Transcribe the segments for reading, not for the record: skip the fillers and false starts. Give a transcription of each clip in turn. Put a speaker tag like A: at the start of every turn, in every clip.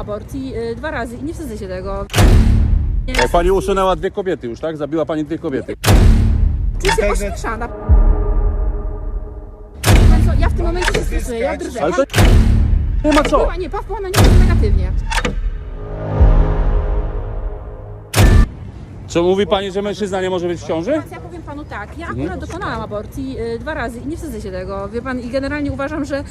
A: aborcji 2 razy i nie wstydzę się tego.
B: Pani usunęła 2 kobiety już, tak? Zabiła pani 2 kobiety.
A: Czuję się ośmieszana. Ja w tym momencie się stresuję, ja drżę.
B: Ale to nie ma co.
A: Nie, pan wpływa na nie negatywnie.
B: Co mówi pani, że mężczyzna nie może być w ciąży?
A: Ja powiem panu tak, ja akurat dokonałam aborcji 2 razy i nie wstydzę się tego, wie pan, i generalnie uważam, że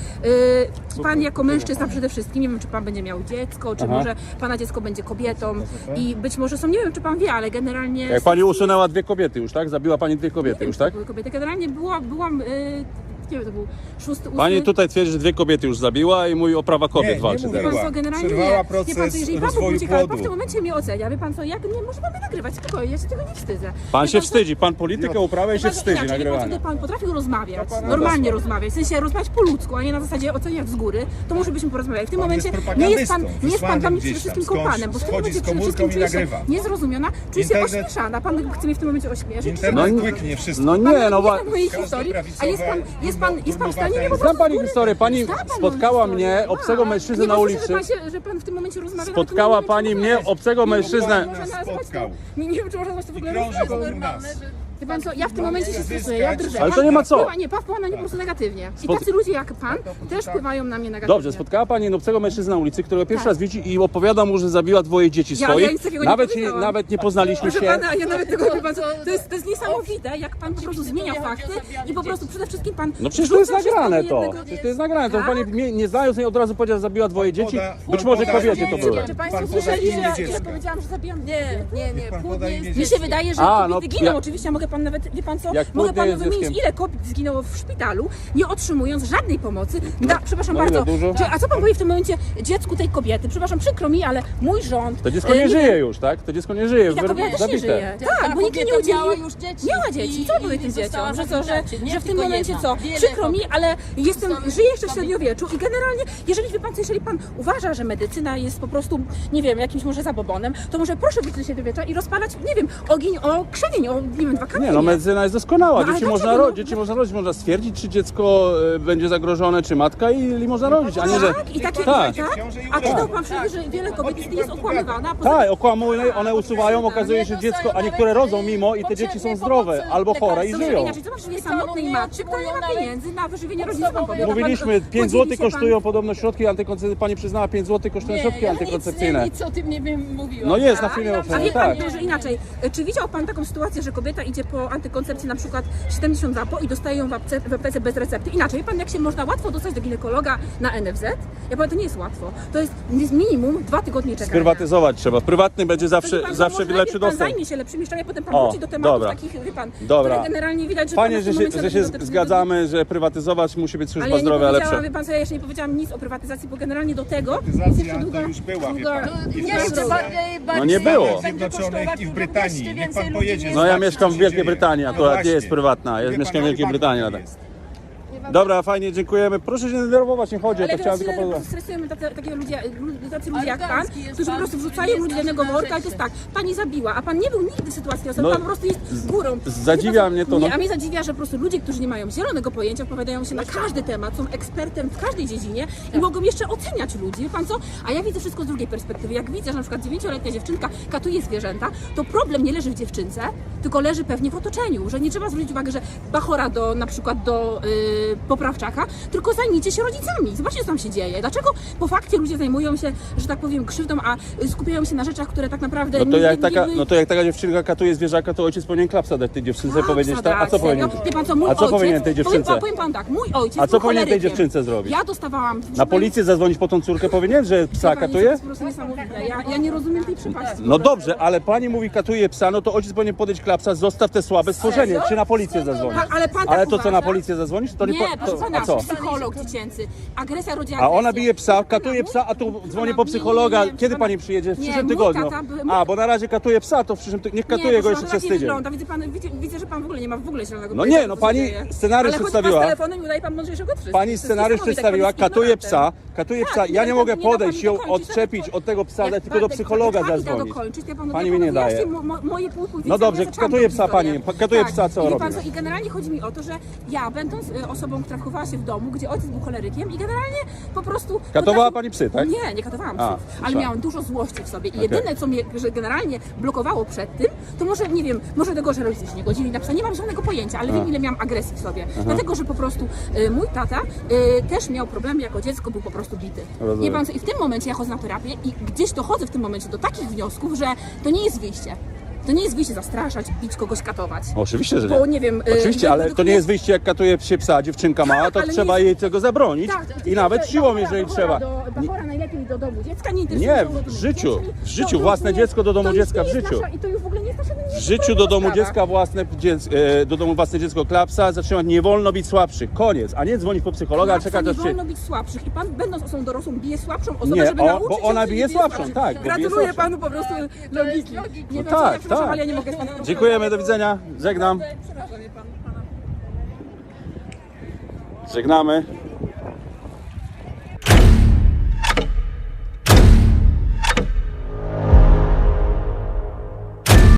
A: pan jako mężczyzna przede wszystkim, nie wiem czy pan będzie miał dziecko, czy może pana dziecko będzie kobietą i być może są, nie wiem czy pan wie, ale generalnie...
B: Jak pani usunęła 2 kobiety już, tak? Zabiła pani 2 kobiety już, tak?
A: Były kobiety, generalnie byłam nie wiem, to był 6, 8...
B: Pani tutaj twierdzi, że 2 kobiety już zabiła i mówi o prawa kobiet walczy
A: Wie pan
B: teraz.
A: co, generalnie
C: Przerwała
A: nie.
C: proces
A: Wie pan co, jeżeli pan
C: rozwoju
A: ucieka, ale pan w
C: płodu.
A: tym momencie mnie ocenia, wie pan co, jak nie może pan mnie nagrywać, spokojnie, ja się tego nie wstydzę.
B: Pan
A: Wie
B: się
A: co,
B: wstydzi, pan politykę uprawia i się
A: Wie pan co,
B: wstydzi
A: inaczej, wie pan co,
B: nagrywania.
A: gdyby pan potrafił rozmawiać, normalnie rozmawiać, w sensie rozmawiać po ludzku, a nie na zasadzie oceniać z góry, to może byśmy porozmawiali. W tym momencie nie jest pan dla mnie przede wszystkim kompanem, bo w tym momencie przede wszystkim czuję się niezrozumiona, czuję się ośmieszana, pan chce mnie w tym momencie ośmieszyć.
C: Internet łyknie wszystko.
B: No nie, no
A: pan mojej historii, a jest pan w stanie mnie po prostu
B: znam pani
A: z góry-
B: historię, pani
A: Zna pan moją
B: spotkała
A: historię.
B: mnie, obcego mężczyznę na ulicy.
A: Że pan w tym momencie rozmawia.
B: Spotkała pani mnie, obcego mężczyznę.
A: Nie wiem, czy można to w ogóle
C: Krąży wokół nas.
A: Wie pan co, ja w tym momencie się stresuję, ja drżę.
B: Ale to nie ma co.
A: Pan wpływa na nie po prostu negatywnie. I tacy ludzie jak pan też wpływają na mnie negatywnie.
B: Dobrze, spotkała pani obcego mężczyznę na ulicy, którego pierwszy
A: Tak.
B: raz widzi i opowiada mu, że zabiła 2 dzieci
A: Ja
B: swoich.
A: nic takiego nie powiedziałam.
B: Nawet nie poznaliśmy
A: Proszę
B: się.
A: pana, ja nawet tego wie pan co, to jest niesamowite, jak pan po prostu zmienia fakty i po prostu przede wszystkim pan...
B: No przecież to jest
A: wrzuca
B: nagrane
A: wszystko do
B: to.
A: jednego-
B: Przecież to jest nagrane. To
A: Tak?
B: pani mnie nie znając jej od razu powiedziała, że zabiła 2 dzieci. Być może
C: poda
B: kobiety to
C: imię
B: były.
A: Czy państwo
C: Pan
A: słyszeli,
C: poda imię
A: że
C: dziecka.
A: powiedziałam, że zabijam?
D: Nie,
C: Pan
D: płód
C: poda
D: nie
C: imię
D: jest
A: Mi się wydaje, że
B: A, no,
A: kobiety giną.
B: ja-
A: Oczywiście mogę pan nawet, wie pan co,
B: Jak
A: mogę
B: płód nie
A: panu
B: jest
A: wymienić,
B: dzieckiem.
A: ile kobiet zginęło w szpitalu, nie otrzymując żadnej pomocy. Przepraszam
B: No ile,
A: bardzo.
B: dużo?
A: A co pan powie w tym momencie dziecku tej kobiety? Przepraszam, przykro mi, ale mój rząd...
B: To dziecko nie żyje już, tak? To dziecko nie żyje.
A: Ta kobieta też nie żyje. Tak, bo nikt jej nie
D: kobieta
A: udzielił.
D: miała już dzieci.
A: Miała dzieci. Co powie tym
D: została
A: dzieciom? Że co,
D: zabita. Nie
A: że w tym
D: tylko
A: momencie
D: jedna.
A: co?
D: Wiele
A: Przykro mi,
D: kobiet.
A: ale żyję jeszcze w średniowieczu i generalnie, jeżeli pan uważa, że medycyna jest po prostu, nie wiem, jakimś może zabobonem, to może proszę być do średniowiecza i rozpalać, nie wiem, ogień o krzewień, o, nie wiem, 2 kamienie.
B: Nie, no medycyna jest doskonała.
A: No, ale
B: Dzieci
A: dlaczego?
B: można rodzić, można stwierdzić, czy dziecko będzie zagrożone, czy matka i można rodzić, a nie, że...
A: Tak, i takie,
B: Tak.
A: tak. A czytał pan przecież, że wiele kobiet jest okłamywana.
B: Tak, okłamują, one usuwają, okazuje się, że dziecko, a niektóre rodzą mimo i te dzieci są zdrowe, albo chore i żyją.
A: Inaczej, zobacz, że jest samotnej matce, która nie ma pieniędzy na wyżywienie rodziny. Co pan powie?
B: Mówiliśmy, 5
A: Podzieli
B: zł
A: się pan-
B: kosztują podobno środki antykoncepcyjne, pani przyznała 5 zł kosztują środki antykoncepcyjne.
D: Nic o tym nie wiem, mówiłam.
B: No jest na filmie
A: A
B: oficjalnie,
A: wie pan,
B: tak.
A: że inaczej, czy widział pan taką sytuację, że kobieta idzie po antykoncepcji na przykład 70 zapo i dostaje ją w aptece bez recepty? Inaczej, wie pan, jak się można łatwo dostać do ginekologa na NFZ? Ja powiem, to nie jest łatwo. To jest minimum 2 tygodnie czekania.
B: Sprywatyzować trzeba. Prywatny będzie
A: To wie pan,
B: zawsze
A: może
B: lepszy
A: najpierw pan
B: dostęp.
A: zajmie się lepszymi rzeczami, a potem pan
B: O,
A: wróci do tematów
B: dobra.
A: takich, wie pan,
B: Dobra.
A: które generalnie widać, że
B: Fajnie,
A: pan w tym
B: że
A: momencie
B: się
A: dotyczy-
B: zgadzamy, że prywatyzować musi być
A: Ale
B: służba
A: ja nie
B: zdrowia
A: powiedziałam,
B: lepsza.
A: wie pan co, ja jeszcze nie powiedziałam nic o prywatyzacji, bo generalnie do tego jest
C: Prywatyzacja
A: jeszcze
C: to
A: długa...
C: już była, wie
A: długa-
C: pan. I w
D: Jeszcze
C: Polsce,
D: bardziej
B: No nie było.
C: w Stanach Zjednoczonych i w Brytanii. Niech pan pojedzie.
B: No ja
C: zobaczyć,
B: mieszkam
C: co
B: w
C: się
B: Wielkiej
C: dzieje.
B: Brytanii,
C: No
B: akurat nie
C: właśnie.
B: jest prywatna, ja
C: Wie
B: mieszkam
C: pan,
B: w Wielkiej
C: jak
B: Brytanii.
C: bardzo
B: Ale...
C: jest.
B: Dobra, fajnie, dziękujemy. Proszę się nie denerwować, nie chodzi,
A: Ale
B: to chciałem tylko
A: tyle
B: powiedzieć.
A: stresujemy tacy ludzie jak pan,
D: Arogancki jest
A: którzy po
D: pan,
A: prostu wrzucają ludzi do jednego
D: bierze
A: worka, ale to jest tak, pani zabiła, a pan nie był nigdy w sytuacji osoby,
B: No,
A: pan po prostu jest górą.
B: zadziwia mnie to,
A: Nie,
B: no.
A: a mnie zadziwia, że po prostu ludzie, którzy nie mają zielonego pojęcia, opowiadają się na każdy temat, są ekspertem w każdej dziedzinie i mogą jeszcze oceniać ludzi, wie pan co? A ja widzę wszystko z drugiej perspektywy. Jak widzę, że na przykład 9-letnia dziewczynka katuje zwierzęta, to problem nie leży w dziewczynce, tylko leży pewnie w otoczeniu, że nie trzeba zwrócić uwagi, że bachora na przykład do poprawczaka, tylko zajmijcie się rodzicami. Zobaczcie, co tam się dzieje. Dlaczego po fakcie ludzie zajmują się, że tak powiem, krzywdą, a skupiają się na rzeczach, które tak naprawdę
B: No to jak taka dziewczynka katuje zwierzaka, to ojciec powinien klapsa dać tej dziewczynce, powiedzieć tak, a co powinien?
A: Wie pan co, mój
B: A co
A: ojciec,
B: powinien tej dziewczynce?
A: Powiem pan tak, mój ojciec
B: A co
A: był
B: powinien tej
A: cholerykiem.
B: dziewczynce zrobić?
A: Ja dostawałam...
B: Na policję zadzwonić po tą córkę powinien, że psa
A: To
B: katuje?
A: jest po prostu niesamowite. Ja nie rozumiem tej przypadku.
B: No dobrze, ale pani mówi katuje psa, no to ojciec powinien podejść klapsa, zostaw te słabe stworzenie,
A: Serio?
B: czy na policję zadzwonić?
A: Ale pan
B: Ale
A: tak
B: to co, na
A: uważa?
B: policję zadzwonić? To
A: Nie, proszę pana,
B: a co?
A: psycholog dziecięcy. Agresja rodzi
B: A
A: agresję.
B: ona bije psa, katuje psa, a tu dzwoni po psychologa. Kiedy pani przyjedzie? W przyszłym
A: mój
B: tygodniu.
A: tata
B: A, bo na razie katuje psa, to w przyszłym tygodniu. Niech katuje go jeszcze przez tydzień.
A: Widzę, widzę, że pan w ogóle nie ma zielonego
B: No
A: pojęcia,
B: nie, no
A: co
B: pani
A: się dzieje.
B: scenariusz
A: Ale
B: przedstawiła.
A: chodzi pan z telefonem i udaje pan mądrzejszego od wszystkich.
B: Pani
A: To jest
B: scenariusz
A: niesamowite,
B: przedstawiła,
A: jak pan jest
B: katuje
A: ignorantem.
B: psa, katuje
A: Tak,
B: psa. Ja nie mogę
A: nie da pani
B: podejść, ją
A: dokończyć,
B: odczepić
A: nawet
B: od tego psa,
A: jak
B: dać tylko do
A: pan-
B: psychologa
A: jak pani da
B: zadzwonić.
A: dokończyć, ja panu
B: Pani mi nie daje.
A: Moje półku
B: No dobrze, katuje psa pani, katuje psa, co
A: I wie
B: robi?
A: pan co, i generalnie chodzi mi o to, że ja będąc osobą, traktowała się w domu, gdzie ojciec był cholerykiem i generalnie po prostu...
B: Katowała pani psy, tak?
A: Nie katowałam
B: A,
A: psów, ale
B: słyszałem.
A: miałam dużo złości w sobie i jedyne, co mnie że generalnie blokowało przed tym, to może, nie wiem, może tego, że rodzice się nie godzili na psa, nie mam żadnego pojęcia, ale wiem, ile miałam agresji w sobie. Dlatego, że po prostu mój tata też miał problemy jako dziecko, był po prostu bity.
B: Rozumiem.
A: Wie pan co, i w tym momencie ja chodzę na terapię i gdzieś dochodzę w tym momencie do takich wniosków, że to nie jest wyjście. To nie jest wyjście zastraszać, bić kogoś, katować.
B: Oczywiście, że
A: Bo
B: nie.
A: nie wiem...
B: Oczywiście, ale to nie jest wyjście, jak katuje się psa, dziewczynka mała, to
A: ale
B: trzeba
A: nie-
B: jej tego zabronić i nawet siłą, jeżeli trzeba.
A: Bachora najlepiej do domu dziecka, nie interesuje
B: Nie,
A: się
B: w
A: urodzonymi
B: życiu,
A: dziećmi.
B: w życiu,
A: To
B: własne
A: już
B: dziecko do domu
A: to już
B: dziecka,
A: nie
B: w
A: jest
B: życiu.
A: I to już w ogóle nie jest nasza
B: W życiu do domu
A: sprawa.
B: dziecka do domu własne dziecko klapsa, zatrzymać, nie wolno bić słabszych, koniec, a nie dzwonić po psychologa,
A: Klapsa
B: czekać
A: nie
B: aż się...
A: wolno bić słabszych i pan, będąc osobą dorosłą, bije słabszą osobę,
B: Nie,
A: żeby
B: o,
A: nauczyć
B: bo
A: ją,
B: ona
A: że
B: bije
A: nie
B: słabszą,
A: słabszych.
B: tak, bo bije
A: Gratuluję
B: słabszą.
A: panu po prostu logiki. Nie wiem, co
B: tak,
A: ja przepraszam,
B: tak.
A: ale ja nie mogę z panem
B: Dziękujemy, do widzenia, żegnam.
A: Przepraszam, pana.
B: Żegnamy.